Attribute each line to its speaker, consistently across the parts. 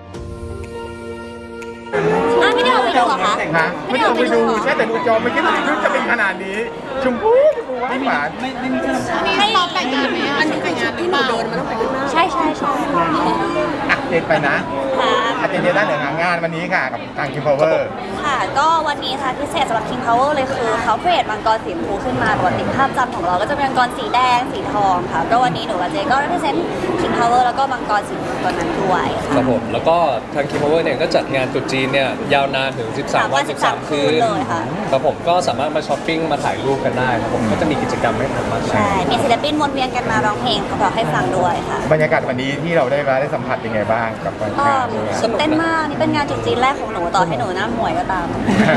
Speaker 1: ไม่ได้เอาไปดูเหรอคะ
Speaker 2: ไม่ได้เอาไปดูแค่แต่ดูจอไม่คิดว่าชุดจะเป็นขนาดนี้ชมพูหวาน
Speaker 1: ให้ซ้อมแต่งงานไหมอันนี้แต่งงานที่หนูโดนมันต้องแต่งใช่ค่ะ
Speaker 2: อ่ะเด็ดไปนะอาจจะเดียวด้านเหนืองานวันนี้ค่ะกับทาง King Power
Speaker 1: ค่ะก็วันนี้ค่ะพิเศษสำหรับ King Power เลยคือเขาเcreate มังกรสีชมพูขึ้นมาปกติภาพจำของเราก็จะเป็นมังกรสีแดงสีทองค่ะก็วันนี้หนูกับเจก็ represent King Power แล้วก็มังกรสีชมพูตัวนั้นด้วยค่ะ
Speaker 3: ครับผมแล้วก็ทาง King Power เนี่ยก็จัดงานตรุษจีนเนี่ยยาวนานถึง 13 วัน 13 คืน
Speaker 1: เลยค่ะ
Speaker 3: ครับผมก็สามารถมาช้อปปิ้งมาถ่ายรูปกันได้ครับผมก็จะมีกิจกรรมให้ทำมากมาย
Speaker 1: ใช่มีศิลปินวนเวียนกันมาร้องเพลงเขาบอกให้ฟังด้วยค่ะ
Speaker 2: บรรยากาศวันนี้ที่เราได้สัมผัสเป็นไงบ้างกับวันงานด้วย
Speaker 1: ตื่นเต้นมากนี่เป็นงานจุดจีนแรกของหนูต่อให้หนูหน้าหมวยก็ตาม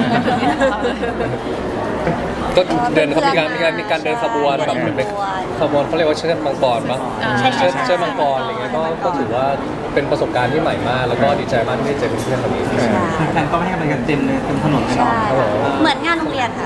Speaker 3: ก็เดินเขามีการเดินขบวนแบบเหมือนเป็นขบวนเขาเรียกว่าเชิดมังกรปะ
Speaker 1: ใช่
Speaker 3: เชิดมังกรอะไรเงี้ยก็ถือว่าเป็นประสบการณ์ที่ใหม่มากแล้วก็ดีใจมากที่ได้เจอเพื่อนๆคนนี้
Speaker 4: แฟนก็ไม่ให้ไปกันเต็มเลยเต็มถนนเลย
Speaker 1: ใช่เหมือนงานโรงเรียนค่ะ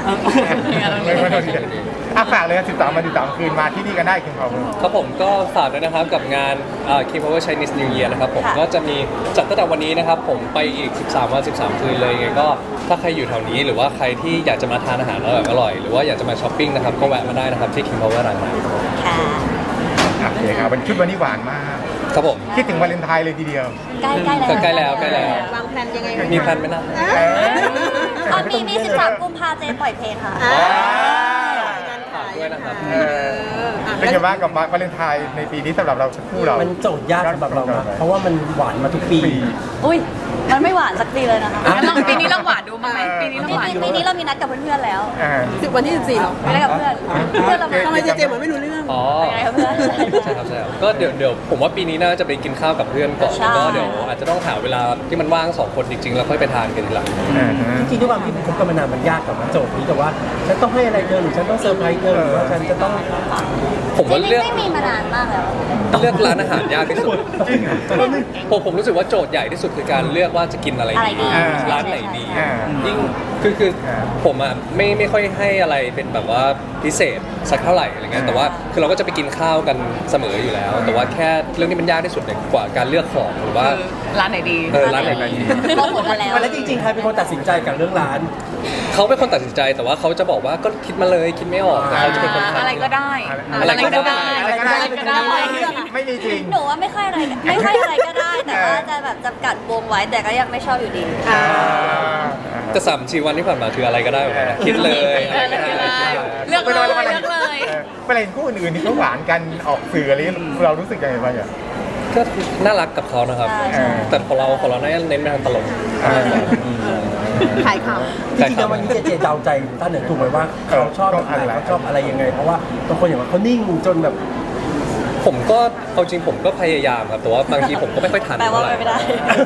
Speaker 2: ฝากเลย13 วัน 13 คืนมาที่นี่กันได้ King Power
Speaker 3: ครับผมก็ฝากด้วยนะครับกับงานKing Power Chinese New Year นะครับผม
Speaker 1: ค่ะ
Speaker 3: ก็จะมีจัดตั้งแต่วันนี้นะครับผมไปอีก 13 วัน 13 คืนเลยไงก็ถ้าใครอยู่แถวนี้หรือว่าใครที่อยากจะมาทานอาหารอร่อยหรือว่าอยากจะมาช้อปปิ้งนะครับก็แวะมาได้นะครับที่ King Power รังสิต
Speaker 1: ค่ะ
Speaker 2: โอเคครับวันชุดวันนี้หวานมาก
Speaker 3: ครับผม
Speaker 2: คิดถึงวาเลนไทน์เลยทีเดียว
Speaker 1: ใกล้แล้ว
Speaker 3: ใกล้แล้ว
Speaker 1: วางแผนยังไง
Speaker 3: มีแพลนไหมนะ
Speaker 1: มี13 กุมภาเจปล่อยเพลงค่ะ
Speaker 3: ฝากด้วยนะครับ
Speaker 2: เป็นไงบ้างกับวาเลนไทน์ในปีนี้สำหรับเราคู่เรา
Speaker 4: มันโจทย์ยากสำหรับเรานะเพราะว่ามันหวานมาทุกปี
Speaker 1: อุ้ยมันไม่หวานสักทีเลยนะคะ
Speaker 5: ปีนี้เราหวานดูมั้ยปีนี้เราหวาน
Speaker 1: ปีนี้เรามีนัดกับเพื่อนๆแล้ว
Speaker 5: วันที่14หรอ
Speaker 1: ไม่ได้กับเพื่อนเพื่อนเรามา
Speaker 5: ทำไมเจเหมือนไม่รู้เรื่อง
Speaker 3: อ๋อ
Speaker 1: ยังไงครับเพื่อน
Speaker 3: ใช่ครับก็เดี๋ยวผมว่าปีนี้น่าจะไปกินข้าวกับเพื่อนก่อน
Speaker 1: ใช่
Speaker 3: แล้วก็เดี๋ยวอาจจะต้องหาเวลาที่มันว่าง2 คนจริงๆแล้วค่อยไปทานกันทีหลัง
Speaker 4: จริงๆด้วยความที่คบกันมานานมันยากกับโจทย์นี้แต่ว่าฉันต้องให้อะไรเธอหรือฉันต้องเซอร์ไพรส์เธอหรือว่าฉันจะต้อง
Speaker 3: ผมว่า
Speaker 1: จริง
Speaker 3: เลือก
Speaker 1: ๆไม่มีมานานมากแล้ว
Speaker 3: เลือกร้านอาหารยากที่สุดผมรู้สึกว่าโจทย์ใหญ่ที่สุดคือการเลือกว่าจะกินอะไร
Speaker 1: อะไรดี
Speaker 3: ร้านไหนดี
Speaker 1: ใช่
Speaker 3: ยิ่งคือผมอ่ะไม่ค่อยให้อะไรเป็นแบบว่าพิเศษสักเท่าไหร่อะไรเงี้ยแต่ว่าคือเราก็จะไปกินข้าวกันเสมออยู่แล้ว แต่ว่าแค่เรื่องที่มันยากที่สุดเนี่ยกว่าการเลือกของหรือว่า
Speaker 5: ร้านไหนดี
Speaker 3: ร้านไหนดี
Speaker 1: มองหมดมาแล้ว
Speaker 4: แล้วจริงๆใครเป็นคนตัดสินใจกับเรื่องร้าน
Speaker 3: เขาเป็นคนตัดสินใจแต่ว่าเขาจะบอกว่าก็คิดมาเลยคิดไม่ออกแต่เขาจะเป็นคนทำ
Speaker 5: อะไรก็ได้
Speaker 3: อะไรก็ได้
Speaker 2: ไม่มีจริง
Speaker 1: หนูว่าไม่ค่อยอะไรก็ได้ แต่ว่าจะแบบจำกัดวงไว้แต่ก็ยังไม่ชอบอยู่ดี
Speaker 3: แต่3-4 วันที่ผ่านมาคืออะไรก็ได้เหมือนกันนะคิดเลย
Speaker 5: เลือกเลยเลือกเลย
Speaker 2: เวลาเห็นคู่อื่นๆที่เขาหวานกันออกสื่ออะไรเรารู้สึกยังไงบ้างอ่ะ
Speaker 3: ก็น่ารักกับเขานะครับ
Speaker 1: ใช่
Speaker 3: แต่ของเราน่าจะเน้นไปทางตลก
Speaker 5: ขายข่าว
Speaker 4: จริงๆแล้ววันนี้เจเดาใจท่านเหนือถูกไหมว่าเขาชอบแบบไหนเขาชอบอะไรยังไง เพราะว่าบางคนอย่างว่าเขานิ่งจนแบบ
Speaker 3: ผมก็เอาจริงผมก็พยายามครับแต่ว่าบางทีผมก็ไม่ค่อยทัน
Speaker 1: แปลว่า
Speaker 3: เท่าไหร่
Speaker 1: ไม่ได้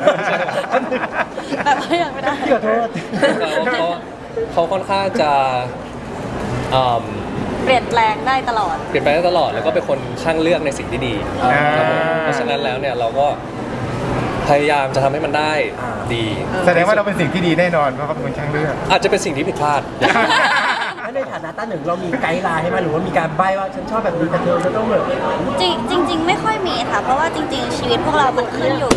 Speaker 1: แปลว่ายังไม่ได้
Speaker 4: ขอโทษ
Speaker 3: เขาค่อนข้างจะอืม
Speaker 1: เปลี่ยนแปลงได้ตลอด
Speaker 3: เปลี่ยนไปได้ตลอดแล้วก็เป็นคนช่างเลือกในสิ่งที่ดีครับผมเพราะฉะนั้นแล้วเนี่ยเราก็พยายามจะทำให้มันได้ดี
Speaker 2: แสดงว่าเราเป็นสิ่งที่ดีแน่นอนเพราะเขาเป็นคนช่างเลือก
Speaker 3: อาจจะเป็นสิ่งที่ผิดพลาด
Speaker 4: แล้วในฐานะต้าหนึ่งเรามีไกด์ไลน์ให้ไหมหรือว่ามีการใบ้ว่าฉันชอบแบบนี้แต่เธอจะต้องแบบ
Speaker 1: จริง ๆ ไม่ค่อยมีค่ะ เพราะว่าจริง ๆ ชีวิตพวกเรามันขึ้นอยู่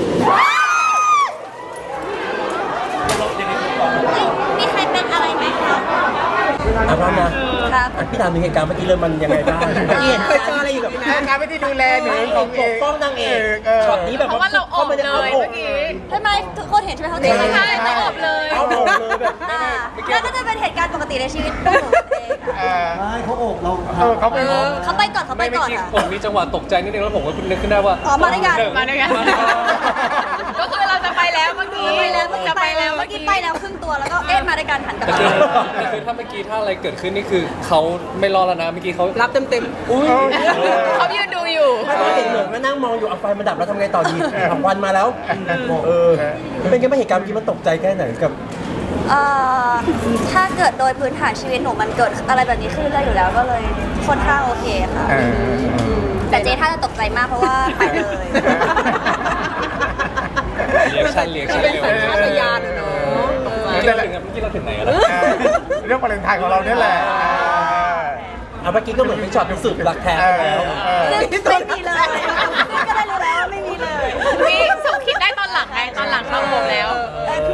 Speaker 1: มีใครเป็นอะไรไหมคะ
Speaker 4: เอาพร้อมนะครับ พี่ถามถึงเหตุการณ์เมื่อกี้เลยมันยังไงบ้างเมื่อกี้เห็นเคยเจออะไรอยู่กับ
Speaker 2: การไม่ได้ดูแลหนูของเอ
Speaker 4: ปกป้องนางเอกช็อตนี้แบบ
Speaker 5: เพราะว่าเราออกเลยเมื่อกี้
Speaker 1: ใช่ไหมทุกคนเห็นใช่ไหมเขาเจอ
Speaker 5: ใช่เราออกเลย
Speaker 4: เอาผมเลยแบบ
Speaker 1: แล้วก็จะเป็นเหตุการณ์ปกติในชีวิตของหนูเองค่ะ
Speaker 4: ไม่เขาอกเรา
Speaker 2: เขาเป็น
Speaker 1: เขาไปก่อนค่ะ
Speaker 3: ผมมีจังหวะตกใจนิดนึงแล้วผมก็นึกขึ้นได้ว่า
Speaker 1: อ๋อมาด้วยกัน
Speaker 5: มาด้วยกัน ก็คือเราจะไปแล้วเมื่อกี้
Speaker 1: ไปแล้ว
Speaker 5: จะไปแล้ว
Speaker 1: เมื่
Speaker 5: เมื่
Speaker 1: อ
Speaker 5: อ
Speaker 1: กี้
Speaker 5: กี้
Speaker 1: ไปแล้วครึ่งตัวแล้วก็มาด้วยกันหันกลับ
Speaker 3: แต่
Speaker 1: มา
Speaker 3: คือถ้าเมื่อกี้ถ้าอะไรเกิดขึ้นนี่คือเขาไม่รอดแล้วนะเมื่อกี้เขา
Speaker 5: รับเต็ม
Speaker 3: อุ้ย
Speaker 5: เขายืนดูอยู่
Speaker 4: ถ้าเราเห็นเหมือนก็นั่งมองอยู่เอาไฟมาดับแล้วทำไงต่อดีผับวันมาแล้วเป็นไงบ้างเหตุการณ์เมื่อกี้มันตกใจแค่ไหนกับ
Speaker 1: ถ้าเกิดโดยพื้นฐานชีวิตหนูมันเกิดอะไรแบบนี้ขึ้นได้อยู่แล้วก็เลยค่อนข้างโอเคค่ะ แต่เจ๊ถ้าจะตกใจมากเพราะว่าไปเลย
Speaker 3: เรียกชั่นเร็ว
Speaker 5: เป็นสัญชาตญาณอะเนาะ
Speaker 3: เมื่อกี้เราถึงไหนกันแล้ว
Speaker 2: เรื่องวาเลนไทน์ของเราเนี่ยแหละ
Speaker 4: เอาเมื่อกี้ก็เหมือนเป็นช็อตพิสูจน์รักแท้ไปแล้ว
Speaker 1: ซึ่งไม่มีเลยซึ่งก็ได้รู้แล้วว่าไม่มีเลย
Speaker 5: นี่เขาคิดได้ตอนหลังไงตอนหลัง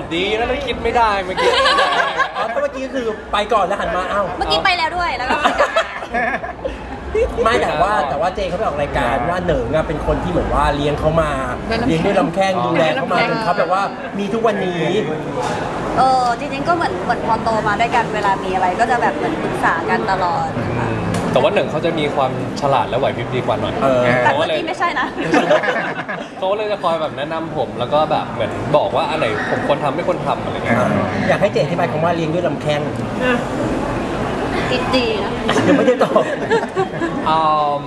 Speaker 3: ดีนะไม่คิดไม่ได้เมื่อกี้
Speaker 4: อ๋อเมื่อกี้ก็คือไปก่อนแล้วหันมาเอ้า
Speaker 1: เมื่อกี้ไปแล้วด้วยแล้วก็กลับมา
Speaker 4: ไม่แต่ว่าเจเขาไปออกรายการว่าเหนิงอะเป็นคนที่เหมือนว่าเลี้ยงเขามาเลี้ยงด้วยลำแข้งดูแลเขามาจนเขาแบบว่ามีทุกวันนี้
Speaker 1: จริงๆก็เหมือนพอโตมาด้วยกันเวลามีอะไรก็จะแบบเหมือนปรึกษากันตลอดนะคะ
Speaker 3: แต่ว่าหนึ่งเขาจะมีความฉลาดและไหวพริบดีกว่าหน่อย
Speaker 1: แต่เมื่อกี้ไม่ใช่นะ
Speaker 3: เขาเลยจะคอยแบบแนะนำผมแล้วก็แบบเหมือนบอกว่าอันไหนผมควรทำไม่ควรทำอะไรเงี้ย
Speaker 4: อยากให้เจอธิบายคำว่าเลี้ยงด้วยลำแข้ง
Speaker 1: ดีนะ
Speaker 4: ยังไม่ได้ตอบ
Speaker 3: อืม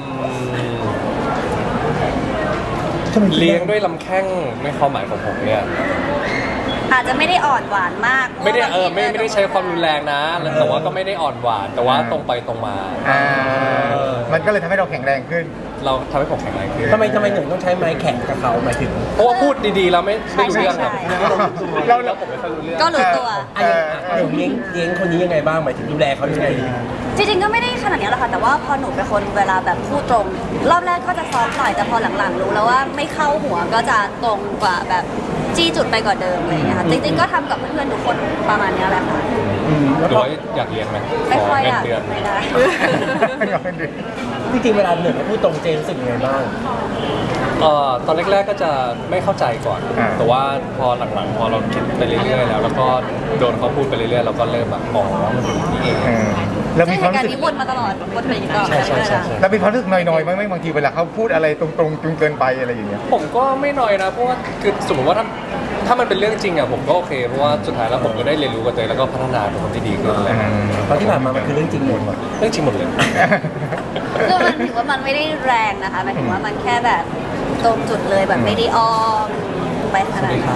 Speaker 3: เลี้ยงด้วยลำแข้งในความหมายของผมเนี่ย
Speaker 1: อาจจะไม่ได้อ่อนหวานมาก
Speaker 3: ไม่ได้ไม่ได้ใช้ความรุนแรงนะแต่ว่าก็ไม่ได้อ่อนหวานแต่ว่าตรงไปตรงมา
Speaker 2: มันก็เลยทำให้เราแข็งแรงขึ้น
Speaker 3: เราทำให้ผมแข็งแรงขึ้น
Speaker 4: ทำไมหนึ่งต้องใช้ไม้แข็งกับเขาหมายถึง
Speaker 3: เพราะว่าพูดดีๆแล้วไม่รู้เรื่องครับ
Speaker 2: เรา
Speaker 3: แล้วผมไม่ค่อยรู้เรื่อง
Speaker 1: ก็รู้ตัว
Speaker 4: เลี้ยงคนนี้ยังไงบ้างหมายถึงดูแลเขายังไง
Speaker 1: จริงๆก็ไม่ได้ขนาดนี้หรอกค่ะแต่ว่าพอหนูเป็นคนเวลาแบบพูดตรง รอบแรกก็จะซอฟต์หน่อยแต่พอหลังๆรู้แล้วว่าไม่เข้าหัวก็จะตรงกว่าแบบจี้จุดไปกว่าเดิมอะไรอย่างเงี้ยค่ะจริงๆก็ทำกับเพื่อนๆทุกคนประมาณเนี้ยแหละค่ะ
Speaker 4: แล้ว
Speaker 3: หรือ
Speaker 4: ก็
Speaker 3: ว่าอยากเรียนไหม
Speaker 1: ไม่ค่อย
Speaker 3: เงิ
Speaker 1: อน ยาก
Speaker 3: เดือน
Speaker 1: ไม่ได้
Speaker 4: จริงๆเวลาหนึ่งพูดตรงเจรู้สึกยังไงบ้าง
Speaker 3: ตอนแรกๆก็จะไม่เข้าใจก่อน แต่ว่าพอหลังๆพอเราคิดไปเรื่อยๆแล้วก็โดนเขาพูดไปเรื่อยๆเราก็เริ่มแบบอ๋อมันเป็นอย่างนี้เอง
Speaker 2: เรา
Speaker 1: ใช่
Speaker 2: มี
Speaker 1: เห
Speaker 2: ความ
Speaker 1: ตุการ
Speaker 2: รู้สึก
Speaker 1: ณ์นี้วนมาตลอดวนไปอย่างนี้ตลอด
Speaker 3: ใช่ใช่ใช่
Speaker 2: เรามีความรู้สึกหน่อยๆไหมบางทีเวลาเขาพูดอะไรตรงๆจนเกินไปอะไรอย่างเงี้ย
Speaker 3: ผมก็ไม่น้อยนะเพราะว่าคือสมมติว่าถ้ามันเป็นเรื่องจริงอะผมก็โอเคเพราะว่าสุดท้ายแล้วผมก็ได้เรียนรู้กับตัวเองแล้วก็พัฒนาเป็นคนที่ดีขึ้นอะไรอย่างเงี้ย
Speaker 4: เพราะที่ผ่านมามันคือเรื่องจริงหมด
Speaker 3: เรื่องจริงหมดเลย
Speaker 1: คือมันถือว่ามันไม่ได้แรงนะคะหมายถึงว่ามันแค่แบบตรงจุดเลยแบบไม่ได้อ้อมไปขนาดนั้น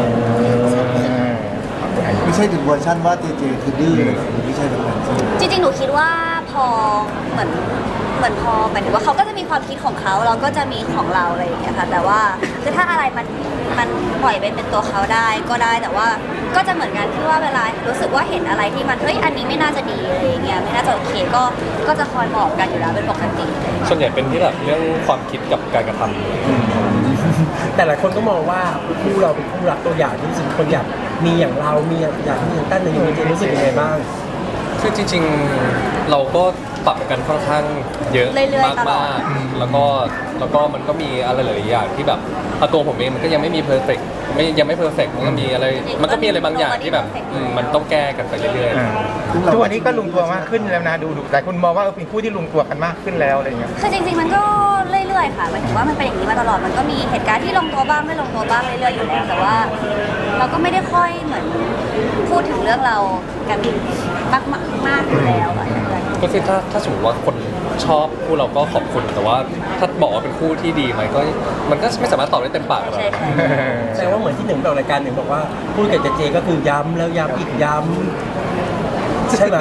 Speaker 6: ไม่ใช่ถึงเวอร์ชันว่าเจเจคือดื้อเลยไม่ใช่แบบนั้นใช่ไหม
Speaker 1: จริงๆหนูคิดว่าพอเหมือนพอหมายถึงว่าเขาก็จะมีความคิดของเขาเราก็จะมีของเราอะไรอย่างเงี้ยค่ะแต่ว่าคือถ้าอะไรมันปล่อยไปเป็นตัวเขาได้ก็ได้แต่ว่าก็จะเหมือนกันที่ว่าเวลารู้สึกว่าเห็นอะไรที่มันเฮ้ยอันนี้ไม่น่าจะดีอะไรอย่างเงี้ยไม่น่าจะโอเคก็จะคอยบอกกันอยู่แล้วเป็นปกติเลย
Speaker 3: ส่วนใหญ่เป็นที่แบบเรื่องความคิดกับการกระทำ
Speaker 4: แต่หลายคนก็มองว่าคู่เราเป็นคู่รักตัวอย่างที่รู้สึกคนอยากมีอย่างเรามีอยากมีอย่างตั้นอย่างเจรู้สึกยังไงบ้าง
Speaker 3: คือจริงๆเราก็ปรับกันค่อนข้างเยอะ
Speaker 1: เรื่อยๆตลอ
Speaker 3: มา
Speaker 1: ด
Speaker 3: กๆแล้วก็มันก็มีอะไรหลายอย่างที่แบบตัวผมเองมันก็ยังไม่มีเพอร์เฟกยังไม่เพอร์เฟกมันก็มีอะไรบางอย่างที่แบบมันต้องแก้กันไปเรื่อยๆ
Speaker 2: ทุกวันนี้ก็ลงตัวมากขึ้นแล้วนะดูหลายคนมองว่าเป็นคู่ที่ลงตัวกันมากขึ้นแล้วอะไรเงี้ย
Speaker 1: คือจริงๆมันก็เรื่อยๆค่ะหมายถึงว่ามันเป็นอย่างนี้มาตลอดมันก็มีเหตุการณ์ที่ลงตัวบ้างไม่ลงตัวบ้างเรื่อยๆอยู่แล้วแต่ว่าเราก็ไม่ได้ค่อยเหมือนพูดถึงเรื่องเรากันมากอยู่แล้วอะ
Speaker 3: ก็คือถ้าสมมติว่าคนชอบคู่เราก็ขอบคุณแต่ว่าถ้าบอกว่าเป็นคู่ที่ดีไหมก็มันก็ไม่สามารถตอบได้เต็มปากหรอก
Speaker 1: ใช่ใช่
Speaker 4: แสดงว่าเหมือนที่หนึ่งไปออกรายการหนึ่งบอกว่าพูดกับเจก็คือย้ำแล้วย้ำอีกย้ำใช่ไหม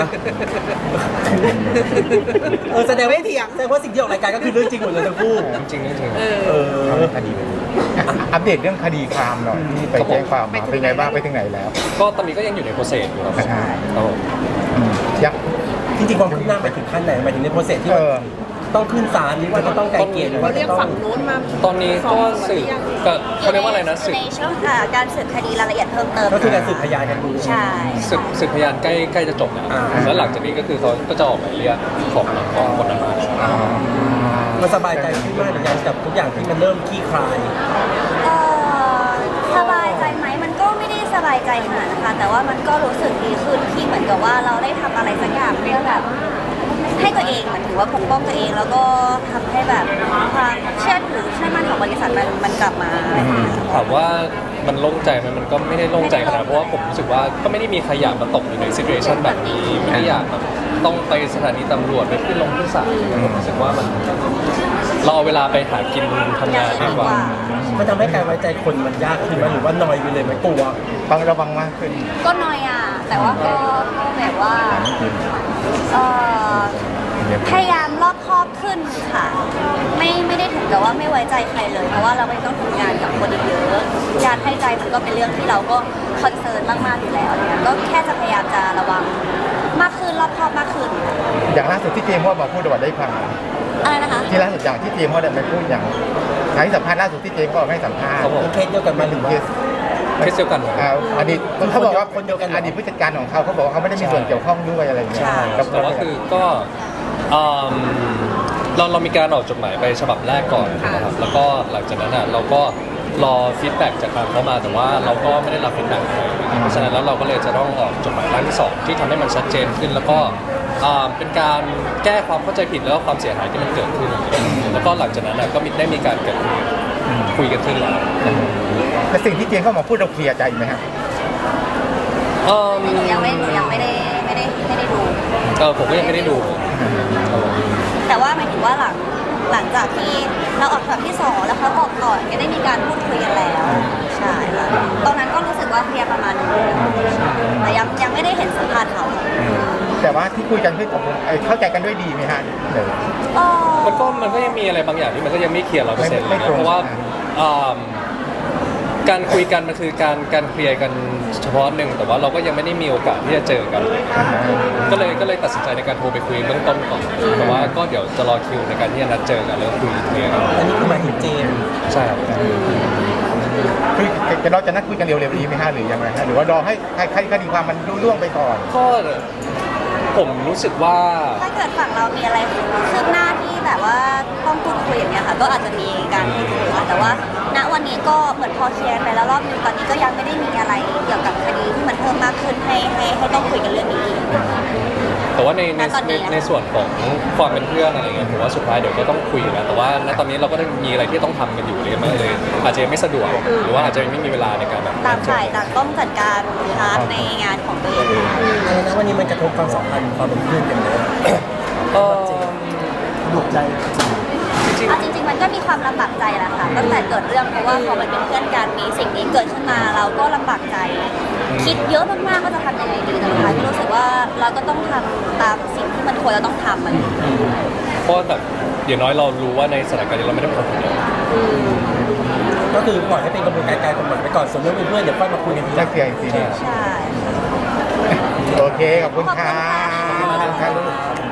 Speaker 4: แสดงว่าสิ่งที่ออกรายการก็คือเรื่องจริงหมดเลยทั้งคู่
Speaker 3: จริงๆจริง
Speaker 2: คดีอัปเดตเรื่องคดีความหน่อยที่ไปแจ้งความมาเป็นไงบ้างไปถึงไหนแล้ว
Speaker 3: ๆก็ตอนนี้ก็ยังอยู่ในโปรเซสอยู่ครับครับผม
Speaker 2: ยักษ์
Speaker 4: จริงๆความคืบหน้าไปถึงขั้นไหนหมายถึงในโปรเซสที่ต้องขึ้นศาลหรือว่าจะต้องไกลเกลี่ยหรือว่า
Speaker 5: เรียก
Speaker 4: จะต้อ
Speaker 5: ฝั่
Speaker 4: ง
Speaker 5: งนู้นมา
Speaker 3: ตอนนี้ก็สืบก็เขาเรียกว่าอะไรนะสืบ
Speaker 1: ในช่วงการสืบคดีรายละเอียดเพิ่มเติม
Speaker 4: ก็คือการสืบพยานกันดู
Speaker 1: ใช่
Speaker 3: สืบพยานใกล้จะจบแล้วแล้วหลังจากนี้ก็คือเขาก็จะออกหมายเรียกของคนนั้นมา
Speaker 4: มันสบายใจขึ้นมากหรือยังกับทุกอย่างที่มันเริ่มคลี่คลาย
Speaker 1: สบายใจไหมมันก็ไม่ได้สบายใจขนาดนะคะแต่ว่ามันก็รู้สึกดีขึ้นที่เหมือนกับว่าเราได้ทำอะไรสักอย่างเพื่อแบบให้ตัวเองเหมือนถือว่าปกป้องตัวเองแล้วก็ทำให้แบบความเชื่อถือเชื่อมั่นของบริษัทมันกลับมาอะไรอย่างเงี้ย
Speaker 3: ถามว่ามันโล่งใจไหมมันก็ไม่ได้โล่งใจขนาดนั้นเพราะว่าผมรู้สึกว่าก็ไม่ได้มีใครอยากมาตกอยู่ในซิทูเอชันแบบนี้ไม่ได้อยากแบบต้องไปสถานีตำรวจไปขึ้นศาลผมรู้สึกว่ามันเราเอาเวลาไปหากินทำงานดีกว่า
Speaker 4: มันทำให้การไว้ใจคนมันยากขึ้นไหมหรือว่านอยไปเลยไหมกลัว
Speaker 2: ต้องระวังมากขึ้น
Speaker 1: ก็น้อยแต่ว่าก็แบบว่าเอ่อพยายามรอบคอบขึ้นค่ะไม่ได้ถึงกับว่าไม่ไว้ใจใครเลยเพราะว่าเราไม่ต้องทำงานกับคนอีกเยอะการให้ใจมันก็เป็นเรื่องที่เราก็คอนเซิร์นมากๆอยู่แล้วเนี่ยก็แค่จะพยายามจะระวังมากขึ้นรอบคอบมากขึ้น
Speaker 2: อย่างล่าสุดที่เจมส์ว่ามาพูดว่าได้ฟัง
Speaker 1: อะไรนะคะ
Speaker 2: ที่ล่าสุดอย่างที่เจมส์ว่าได้ไปพูดอย่างการที่สัมภาษณ์ล่าสุดที่เจมส์ก็ให้สัมภาษณ์
Speaker 3: ครับผม
Speaker 4: เคสเดียวกันมาหรือว่า
Speaker 2: เคส
Speaker 3: เคสเดียวกัน
Speaker 2: อดีตเขาบอกว่า
Speaker 4: คนเดียวกันเหรอ
Speaker 2: อดีตผู้จัดการของเขาบอกว่าเขาไม่ได้มีส่วนเกี่ยวข้องด้วยอะไรอย่างเงี้ย
Speaker 3: ใช่
Speaker 2: กับ
Speaker 3: แต่ว่าคือก็เรามีการออกจดหมายไปฉบับแรกก่อนนะครับแล้วก็หลังจากนั้นเราก็รอฟีดแบ็กจากทางเขามาแต่ว่าเราก็ไม่ได้รับฟีดแบ็กเลยเพราะฉะนั้นแล้วเราก็เลยจะต้องออกจดหมายร่างที่ 2ที่ทำให้มันชัดเจนขึ้น แล้วก็เป็นการแก้ความเข้าใจผิดแล้วก็ความเสียหายที่มันเกิดขึ้น แล้วก็หลังจากนั้นก็ได้มีการเกิดคุยกันขึ้นแล้ว
Speaker 2: แต่สิ่งที่เจนเข้ามาพูดเราเคลียร์ใจไหมฮะ
Speaker 1: หนูยังไม่ได้ดู
Speaker 3: ผมก็ยังไม่ได้ดู
Speaker 1: แต่ว่าหมายถึงว่าหลังจากที่เราออกฉบับที่ 2แล้วเขาออกก่อนก็ได้มีการพูดคุยกันแล้วใช่ค่ะตอนนั้นก็รู้สึกว่าเคลียร์ประมาณนึงแต่ยังไม่ได้เห็นสัมภาษณ์เขา
Speaker 2: แต่ว่าที่คุยกันคือเข้าใจกันด้วยดีไหมฮะเดี๋ยว
Speaker 3: มันก็ยังมีอะไรบางอย่างที่มันก็ยังไม่เคลียร์100%เลย
Speaker 2: ไม่
Speaker 3: นะ
Speaker 2: ตรง
Speaker 3: เพราะว่าการคุยกันมันคือการเคลียร์กันเฉพาะหนึ่งแต่ว่าเราก็ยังไม่ได้มีโอกาสที่จะเจอกัน ก็เลยตัดสินใจในการโทรไปคุยเบื้องต้นก่อนแต่ว่าก็เดี๋ยวจะรอคิวในการที่จะนัดเจอกันแล้วคุยเคลียร์กัน
Speaker 4: อันนี้คือหมายถึงเจมส์
Speaker 3: ใช่ครับ
Speaker 2: คือเราจะนัดคุยกันเร็วๆนี้ไหมฮะหรือยังไงฮะหรือว่ารอให้คดีความมันรุ่ล่วงไปก่อน
Speaker 3: ก็ผมรู้สึกว่า
Speaker 1: ถ้าเกิดฝั่งเรามีอะไรคืบหน้าที่แบบว่าต้องพูดคุยอย่างเงี้ยค่ะก็อาจจะมีการพูดคุยค่ะแต่ว่าณวันนี้ก็เหมือนพอเคลียร์ไปแล้วรอบนึงตอนนี้ก็ยังไม่ได้มีอะไรเกี่ยวกับคดีที่มันเพิ่มมากขึ้นให้ต้องคุยกันเรื่องนี้อีก
Speaker 3: แต่ว่าใน
Speaker 1: ณตอนนี้
Speaker 3: ในส่วนของความเป็นเพื่อนอะไรเงี้ยผมว่าสุดท้ายเดี๋ยวก็ต้องคุยอยู่แล้วแต่ว่าณตอนนี้เราก็ได้มีอะไรที่ต้องทำกันอยู่เลยมันเลยอาจจะยังไม่สะดวกหรือว่าอาจจะไม่มีเวลาในการแบบ
Speaker 1: ต่างฝ่ายต่างต้องจัดการพาร์ทในงานของตัวเอง
Speaker 4: อันนั้นวันนี้มันกระทบความสัมพันธ์ความเป็นเพื่อนกันเลย
Speaker 6: หนุกใจ
Speaker 1: เอาจริงๆมันก็มีความลำบากใจแหละค่ะตั้งแต่เกิดเรื่องเพราะว่าพอมันเป็นเพื่อนกันมีสิ่งนี้เกิดขึ้นมาเราก็ลำบากใจ คิดเยอะมากๆว่าจะทำยังไงดีแต่สุดท้ายก็รู้สึกว่าเราก็ต้องทำตามสิ่งที่มันควรจะต้องทำมัน
Speaker 3: เพราะแบบอย่างน้อยเรารู้ว่าในสถานการณ์นี้เราไม่ได้เป็นคนคนเดียว
Speaker 4: ก็คือปล่อยให้เป็นกระบวนการการกฎหมายไปก่อนส่วนเรื่องเป็นเพื่อนเดี๋ยวค่อยมาคุยกันทีห
Speaker 2: จะ
Speaker 4: ลัง
Speaker 2: เคลียร์อีกทีหนึง
Speaker 1: ใช่
Speaker 2: โอเคขอบคุณค่ะ
Speaker 1: ขอบคุณค่ะ
Speaker 2: ขอบคุณค่ะ